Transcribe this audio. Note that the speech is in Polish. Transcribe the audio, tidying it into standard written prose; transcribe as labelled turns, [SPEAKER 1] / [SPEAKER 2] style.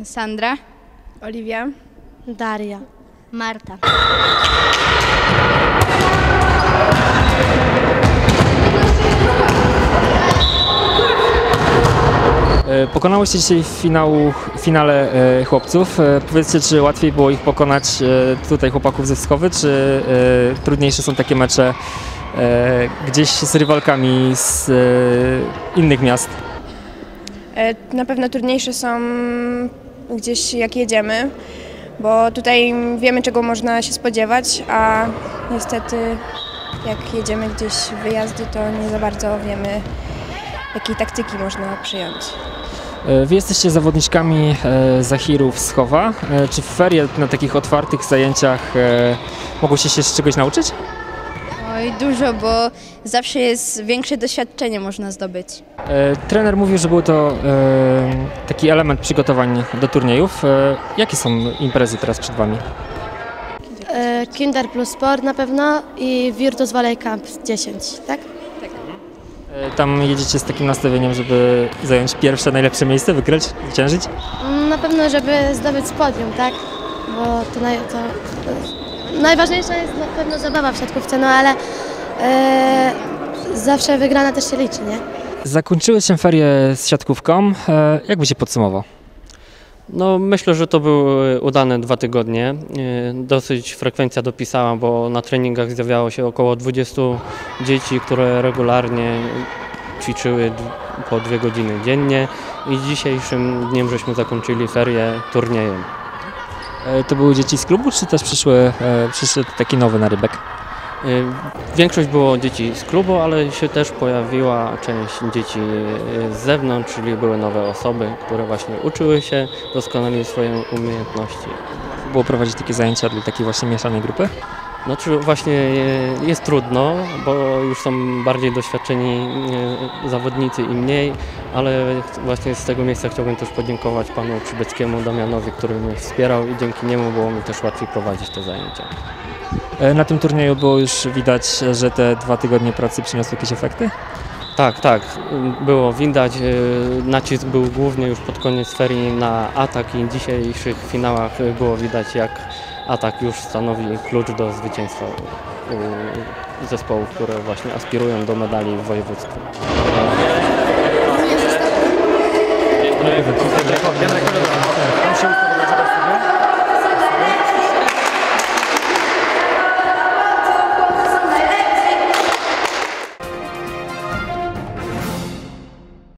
[SPEAKER 1] Sandra,
[SPEAKER 2] Oliwia,
[SPEAKER 3] Daria,
[SPEAKER 4] Marta.
[SPEAKER 5] Pokonałyście dzisiaj w finale chłopców. Powiedzcie, czy łatwiej było ich pokonać tutaj chłopaków ze Wschowy, czy trudniejsze są takie mecze gdzieś z rywalkami z innych miast?
[SPEAKER 2] Na pewno trudniejsze są gdzieś jak jedziemy, bo tutaj wiemy, czego można się spodziewać, a niestety jak jedziemy gdzieś w wyjazdy, to nie za bardzo wiemy, jakiej taktyki można przyjąć.
[SPEAKER 5] Wy jesteście zawodniczkami Zachirów z Chowa. Czy w ferie na takich otwartych zajęciach mogłyście się z czegoś nauczyć?
[SPEAKER 1] oj dużo, bo zawsze jest większe doświadczenie można zdobyć.
[SPEAKER 5] Trener mówił, że był to taki element przygotowań do turniejów. Jakie są imprezy teraz przed Wami?
[SPEAKER 3] Kinder plus Sport na pewno i Virtus Volley Camp 10, tak?
[SPEAKER 5] Tam jedziecie z takim nastawieniem, żeby zająć pierwsze, najlepsze miejsce, wygrać, zwyciężyć?
[SPEAKER 3] Na pewno, żeby zdobyć podium, tak? Bo to najważniejsza jest na pewno zabawa w siatkówce, no ale zawsze wygrana też się liczy, nie?
[SPEAKER 5] Zakończyły się ferie z siatkówką. Jak by się podsumował?
[SPEAKER 6] No, myślę, że to były udane 2 tygodnie. Dosyć frekwencja dopisała, bo na treningach zjawiało się około 20 dzieci, które regularnie ćwiczyły po 2 godziny dziennie i dzisiejszym dniem żeśmy zakończyli ferie turniejem.
[SPEAKER 5] To były dzieci z klubu, czy też przyszedł taki nowy narybek?
[SPEAKER 6] Większość było dzieci z klubu, ale się też pojawiła część dzieci z zewnątrz, czyli były nowe osoby, które właśnie uczyły się, doskonaliły swoje umiejętności.
[SPEAKER 5] Było prowadzić takie zajęcia dla takiej właśnie mieszanej grupy?
[SPEAKER 6] Znaczy właśnie jest trudno, bo już są bardziej doświadczeni zawodnicy i mniej, ale właśnie z tego miejsca chciałbym też podziękować panu Przybeckiemu Damianowi, który mnie wspierał i dzięki niemu było mi też łatwiej prowadzić te zajęcia.
[SPEAKER 5] Na tym turnieju było już widać, że te 2 tygodnie pracy przyniosły jakieś efekty?
[SPEAKER 6] Tak, było widać. Nacisk był głównie już pod koniec ferii na atak i w dzisiejszych finałach było widać, jak atak już stanowi klucz do zwycięstwa zespołów, które właśnie aspirują do medali w województwie.
[SPEAKER 5] Tam się